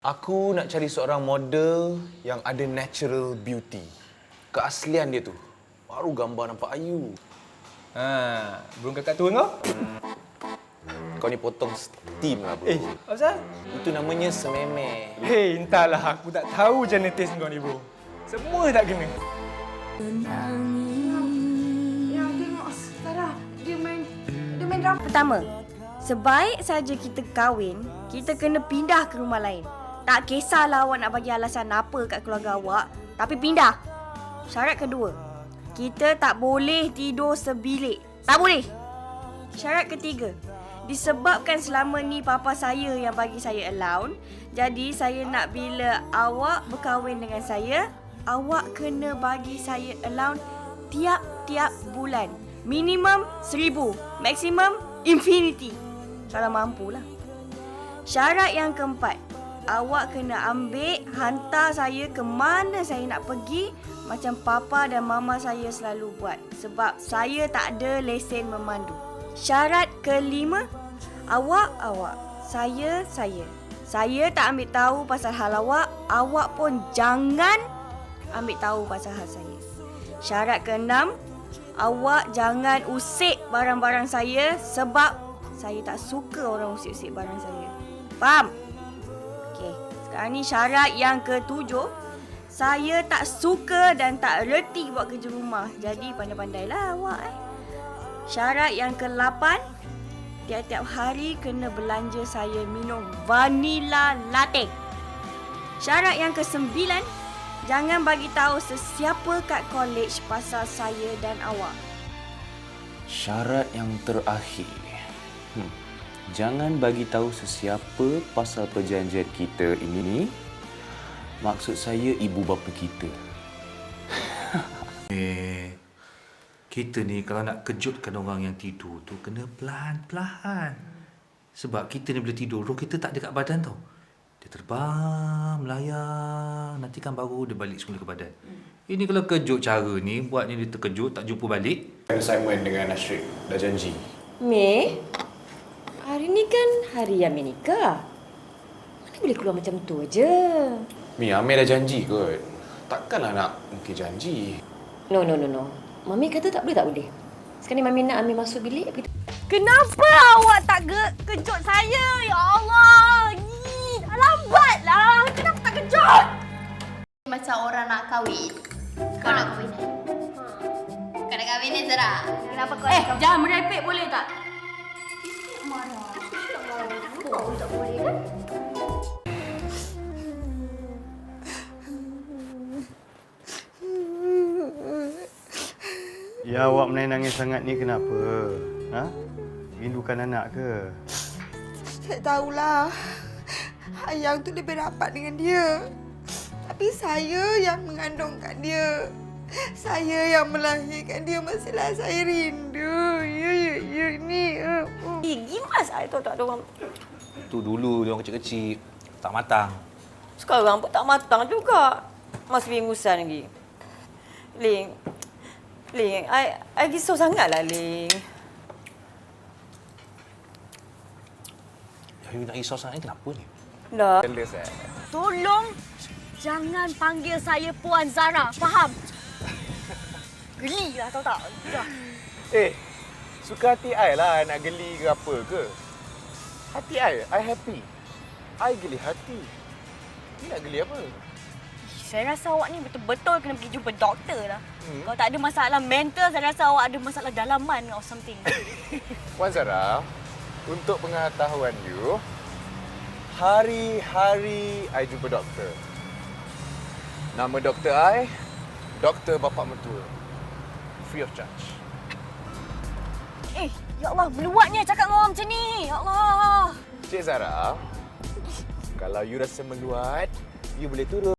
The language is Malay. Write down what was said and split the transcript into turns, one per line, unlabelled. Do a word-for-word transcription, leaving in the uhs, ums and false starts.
Aku nak cari seorang model yang ada natural beauty. Keaslian dia tu. Baru gambar nampak ayu.
Ha, burung kakak tua kau?
Kau ni potong steam lah, bro.
Eh, apa?
Itu namanya sememe.
Hei, entahlah. Aku tak tahu genetis kau ni, bro. Semua tak kena.
Yang tengok Sarah, dia main dia main drum.
Pertama, sebaik saja kita kahwin, kita kena pindah ke rumah lain. Tak kisahlah awak nak bagi alasan apa kat keluarga awak, tapi pindah. Syarat kedua, kita tak boleh tidur sebilik. Tak boleh. Syarat ketiga, disebabkan selama ni papa saya yang bagi saya allowance, jadi saya nak bila awak berkahwin dengan saya, awak kena bagi saya allowance tiap-tiap bulan. Minimum seribu, maksimum infinity. Kalau mampulah. Syarat yang keempat, awak kena ambil, hantar saya ke mana saya nak pergi macam papa dan mama saya selalu buat. Sebab saya tak ada lesen memandu. Syarat kelima, awak, awak. Saya, saya. Saya tak ambil tahu pasal hal awak. Awak pun jangan ambil tahu pasal hal saya. Syarat keenam, awak jangan usik barang-barang saya sebab saya tak suka orang usik-usik barang saya. Faham? Okey, sekarang ni syarat yang ketujuh. Saya tak suka dan tak reti buat kerja rumah. Jadi pandai-pandailah awak eh. Syarat yang ke-lapan, tiap-tiap hari kena belanja saya minum vanilla latte. Syarat yang ke-sembilan, jangan bagi tahu sesiapa kat college pasal saya dan awak.
Syarat yang terakhir. Hmm. Jangan bagi tahu sesiapa pasal perjanjian kita ini. Maksud saya ibu bapa kita.
Eh, kita ni kalau nak kejutkan orang yang tidur tu kena pelan-pelan. Sebab kita ni bila tidur, roh kita tak ada kat badan tau. Dia terbang, melayang, nanti kan baru dia balik semula ke badan. Ini kalau kejut cara ni, buatnya dia terkejut, tak jumpa balik.
Assignment dengan Ashrik. Dah janji.
Mei, hari ni kan hari yang Mei nikah. Mana boleh keluar macam tu aja?
Mi, Amir dah janji kot. Takkanlah nak mungkin janji.
No, no, no, no. Mami kata tak boleh, tak boleh. Sekarang ni Mami nak ambil masuk bilik.
Kenapa awak tak ke- kejut saya? Ya Allah. Ni, lambatlah. Kenapa tak kejut?
Macam orang nak kahwin. Kau nak kahwin kan? Kau nak kahwin ni Zara?
Kenapa kau Eh, jangan merepek boleh tak?
Marah. Oh, tak boleh kan?
Ya, awak menangis sangat ni kenapa? Ha? Rindukan anak ke?
Saya tahulah. Ayang tu lebih rapat dengan dia. Tapi saya yang mengandungkan dia. Saya yang melahirkan dia. Mestilah saya rindu. Ya, ya, ya, ni. Uh, uh.
Eh, gimas saya tahu tak ada orang.
Tu dulu dia orang kecil-kecil, tak matang.
Sekarang pun tak matang juga. Masih bingusan lagi. Ling, Ling, I, I risau sangatlah, Ling.
You nak risau sangat ni kenapa ni?
Dah.
Jealous eh?
Tolong jangan panggil saya Puan Zara. Faham? Geli lah tahu tak? Dah.
Eh, suka hati I lah nak geli ke apa ke. Hati I, I happy. I geli hati. Ni nak geli apa?
Saya rasa awak ni betul-betul kena pergi jumpa doktor lah.
Hmm.
Kalau tak ada masalah mental, saya rasa awak ada masalah dalaman or something.
Puan Zara, untuk pengetahuan you, hari-hari I jumpa doktor. Nama doktor I, Doktor Bapa Mertua. Free of charge.
Eh, ya Allah, meluatnya cakap dengan orang macam ni. Ya Allah.
Cik Zara, kalau you rasa meluat, you boleh turun.